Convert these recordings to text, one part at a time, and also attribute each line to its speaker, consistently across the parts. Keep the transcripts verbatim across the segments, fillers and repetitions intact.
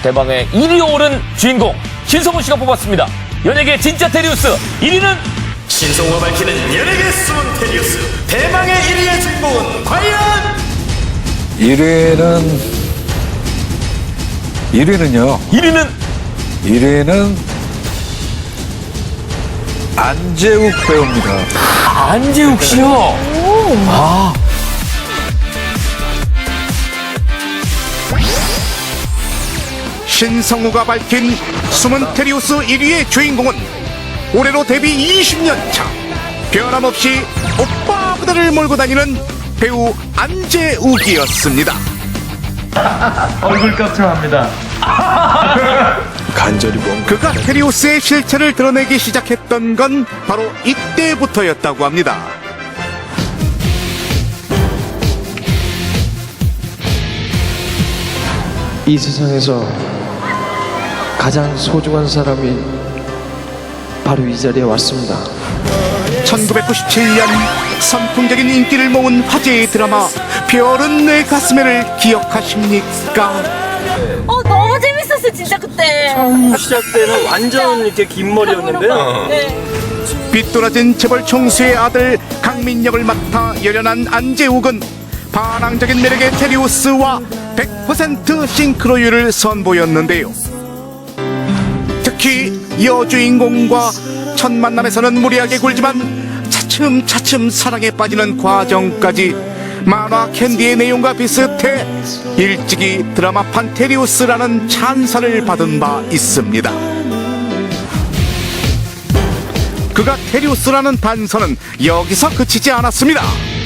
Speaker 1: 대망의 일 위에 오른 주인공 신성훈 씨가 뽑았습니다. 연예계 진짜 테리우스 일 위는
Speaker 2: 신성우가 밝히는 연예계 숨은 테리우스 대망의 일 위의 주인공은 과연
Speaker 3: 일 위는 일 위는요.
Speaker 1: 일 위는
Speaker 3: 일 위는 안재욱 배우입니다.
Speaker 1: 안재욱 씨요. 아.
Speaker 4: 신성우가 밝힌 숨은 테리우스 일 위의 주인공은 올해로 데뷔 이십 년 차 변함없이 오빠 부대를 몰고 다니는 배우 안재욱이었습니다.
Speaker 5: 얼굴 깜짝합니다.
Speaker 3: 간절히 뭔가
Speaker 4: 그가 테리우스의 실체를 드러내기 시작했던 건 바로 이때부터였다고 합니다.
Speaker 6: 이 세상에서 가장 소중한 사람이 바로 이 자리에 왔습니다.
Speaker 4: 천구백구십칠 년 선풍적인 인기를 모은 화제의 드라마 별은 내 가슴에를 기억하십니까?
Speaker 7: 어 너무 재밌었어 진짜 그때.
Speaker 5: 시작 때는 완전 이렇게 긴 머리였는데요.
Speaker 7: 네.
Speaker 4: 빗돌아진 재벌 총수의 아들 강민역을 맡아 열연한 안재욱은 반항적인 매력의 테리우스와 백 퍼센트 싱크로율을 선보였는데요. 특히 여주인공과 첫 만남에서는 무리하게 굴지만 차츰차츰 사랑에 빠지는 과정까지 만화 캔디의 내용과 비슷해 일찍이 드라마판 테리우스라는 찬사를 받은 바 있습니다. 그가 테리우스라는 단서는 여기서 그치지 않았습니다.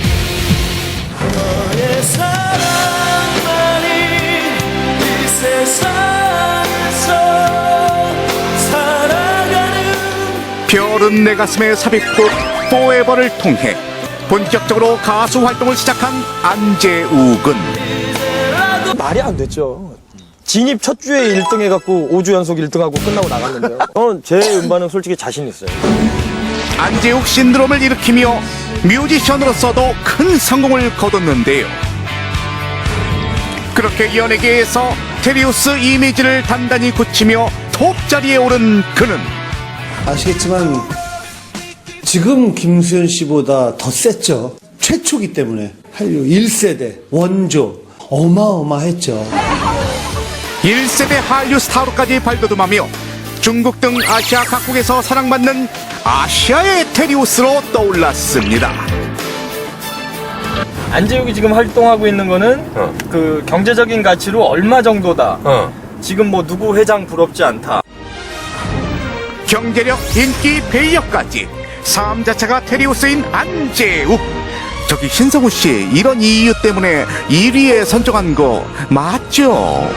Speaker 4: 별은 내 가슴에 삽입곡 포에버를 통해 본격적으로 가수 활동을 시작한 안재욱은
Speaker 8: 말이 안 됐죠. 진입 첫 주에 일 등 해갖고 오 주 연속 일 등하고 끝나고 나갔는데요. 저는 제 음반은 솔직히 자신 있어요.
Speaker 4: 안재욱 신드롬을 일으키며 뮤지션으로서도 큰 성공을 거뒀는데요. 그렇게 연예계에서 테리우스 이미지를 단단히 굳히며 톱 자리에 오른 그는
Speaker 9: 아시겠지만 지금 김수현 씨보다 더 셌죠. 최초기 때문에 한류 일 세대 원조 어마어마했죠.
Speaker 4: 일 세대 한류 스타로까지 발돋움하며 중국 등 아시아 각국에서 사랑받는 아시아의 테리우스로 떠올랐습니다.
Speaker 5: 안재욱이 지금 활동하고 있는 거는
Speaker 1: 어.
Speaker 5: 그 경제적인 가치로 얼마 정도다.
Speaker 1: 어.
Speaker 5: 지금 뭐 누구 회장 부럽지 않다.
Speaker 4: 경제력, 인기, 배역까지 삶 자체가 테리우스인 안재욱. 저기 신성우 씨, 이런 이유 때문에 일 위에 선정한 거 맞죠?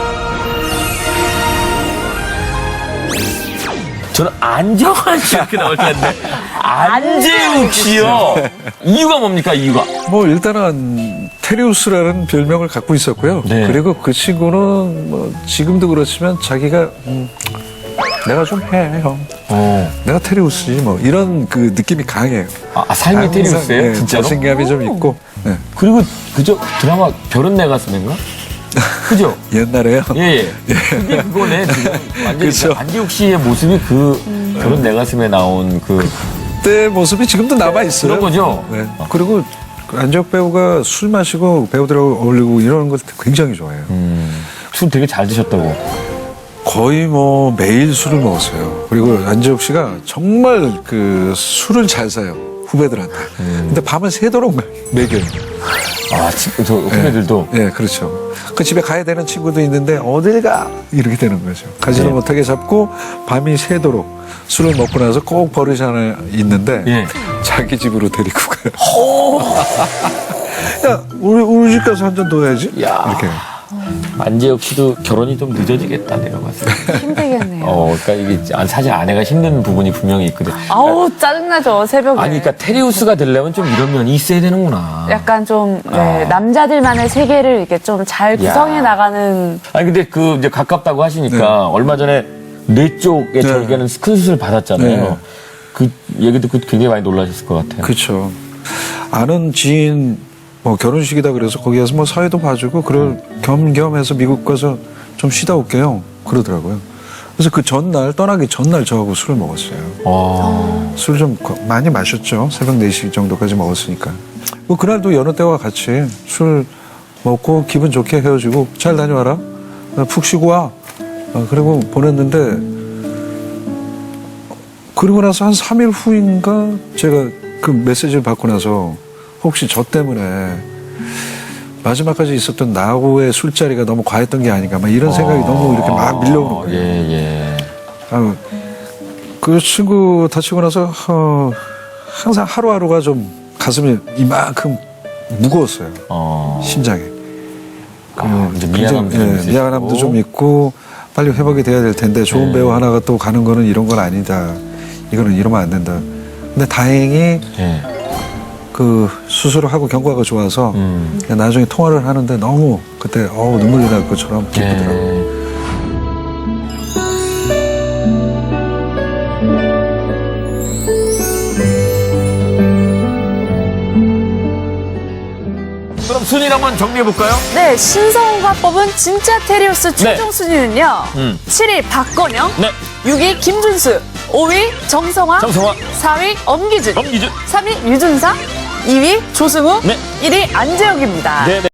Speaker 1: 저는 안정환 씨 이렇게 나올 줄 알았는데 안재욱 씨요. 이유가 뭡니까 이유가?
Speaker 3: 뭐 일단은 테리우스라는 별명을 갖고 있었고요.
Speaker 1: 네.
Speaker 3: 그리고 그 친구는 뭐 지금도 그렇지만 자기가 음, 내가 좀 해, 형.
Speaker 1: 어.
Speaker 3: 내가 테리우스지 뭐 이런 그 느낌이 강해요.
Speaker 1: 아, 삶이
Speaker 3: 항상,
Speaker 1: 테리우스예요?
Speaker 3: 네,
Speaker 1: 진짜로?
Speaker 3: 자신감이 좀 있고. 네.
Speaker 1: 그리고 그저 드라마 별은 내 가슴인가? 그죠?
Speaker 3: 옛날에요.
Speaker 1: 예, 예. 그게 그거네. 지금 완전히
Speaker 3: 그쵸.
Speaker 1: 안재욱 씨의 모습이 그 별은 내 가슴에 나온 그
Speaker 3: 그때 모습이 지금도 남아 있어요.
Speaker 1: 그런 거죠?
Speaker 3: 네. 그리고 안재욱 배우가 술 마시고 배우들하고 어울리고 이러는 걸 굉장히 좋아해요.
Speaker 1: 음, 술 되게 잘 드셨다고.
Speaker 3: 거의 뭐 매일 술을 먹었어요. 그리고 안재욱 씨가 정말 그 술을 잘 사요. 후배들한테. 근데 밤을 새도록 먹여요.
Speaker 1: 아, 지금 저 후배들도.
Speaker 3: 예, 네, 그렇죠. 그 집에 가야 되는 친구도 있는데 어딜 가? 이렇게 되는 거죠. 가지도
Speaker 1: 네.
Speaker 3: 못하게 잡고 밤이 새도록 술을 먹고 나서 꼭 버릇이 하나 있는데
Speaker 1: 예.
Speaker 3: 자기 집으로 데리고 가요. 야, 우리, 우리 집 가서 한 잔 더 해야지.
Speaker 1: 야.
Speaker 3: 이렇게.
Speaker 1: 안재욱 씨도 결혼이 좀 늦어지겠다 내가 봤을 때.
Speaker 7: 힘들겠네요.
Speaker 1: 어, 그러니까 이게 아, 사실 아내가 힘든 부분이 분명히 있거든.
Speaker 7: 아우 짜증나죠 새벽에.
Speaker 1: 아니, 그러니까 테리우스가 되려면 좀 이런 면이 있어야 되는구나.
Speaker 7: 약간 좀 네,
Speaker 1: 아.
Speaker 7: 남자들만의 세계를 이렇게 좀 잘 구성해
Speaker 1: 야.
Speaker 7: 나가는.
Speaker 1: 아니 근데 그 이제 가깝다고 하시니까
Speaker 3: 네.
Speaker 1: 얼마 전에 뇌 쪽에 절개는 큰 수술 받았잖아요.
Speaker 3: 네.
Speaker 1: 그 얘기 듣고 굉장히 많이 놀라셨을 것 같아요.
Speaker 3: 그렇죠. 아는 지인 뭐 결혼식이다 그래서 거기 가서 뭐 사회도 봐주고 그럴 겸겸해서 미국 가서 좀 쉬다 올게요. 그러더라고요. 그래서 그 전날, 떠나기 전날 저하고 술을 먹었어요.
Speaker 1: 어.
Speaker 3: 술 좀 많이 마셨죠. 새벽 네 시 정도까지 먹었으니까. 뭐 그날도 여느 때와 같이 술 먹고 기분 좋게 헤어지고 잘 다녀와라. 푹 쉬고 와. 어, 그리고 보냈는데 그리고 나서 한 삼 일 후인가 제가 그 메시지를 받고 나서 혹시 저 때문에 마지막까지 있었던 나하고의 술자리가 너무 과했던 게 아닌가 막 이런 생각이 너무 이렇게 막 밀려오는 거예요.
Speaker 1: 예, 예.
Speaker 3: 아, 그 친구 다치고 나서 어, 항상 하루하루가 좀 가슴이 이만큼 무거웠어요.
Speaker 1: 어.
Speaker 3: 심장에.
Speaker 1: 아, 이제
Speaker 3: 굉장히,
Speaker 1: 미안함도 좀
Speaker 3: 예,
Speaker 1: 있으시고.
Speaker 3: 미안함도 좀 있고 빨리 회복이 돼야 될 텐데 좋은
Speaker 1: 네.
Speaker 3: 배우 하나가 또 가는 거는 이런 건 아니다. 이거는 이러면 안 된다. 근데 다행히
Speaker 1: 예.
Speaker 3: 그 수술을 하고 경과가 좋아서
Speaker 1: 음.
Speaker 3: 나중에 통화를 하는데 너무 그때 어우 눈물이 날 것처럼 기쁘더라고요.
Speaker 1: 예. 그럼 순위를 한번 정리해볼까요?
Speaker 7: 네, 신성우가 뽑은 진짜 테리우스 최종
Speaker 1: 네.
Speaker 7: 순위는요.
Speaker 1: 음.
Speaker 7: 칠 위 박건영,
Speaker 1: 네.
Speaker 7: 육 위 김준수, 오 위 정성화,
Speaker 1: 정성화.
Speaker 7: 사 위 엄기준,
Speaker 1: 엄기준.
Speaker 7: 삼 위 유준상, 이 위 조승우,
Speaker 1: 네.
Speaker 7: 일 위 안재욱입니다.
Speaker 1: 네, 네.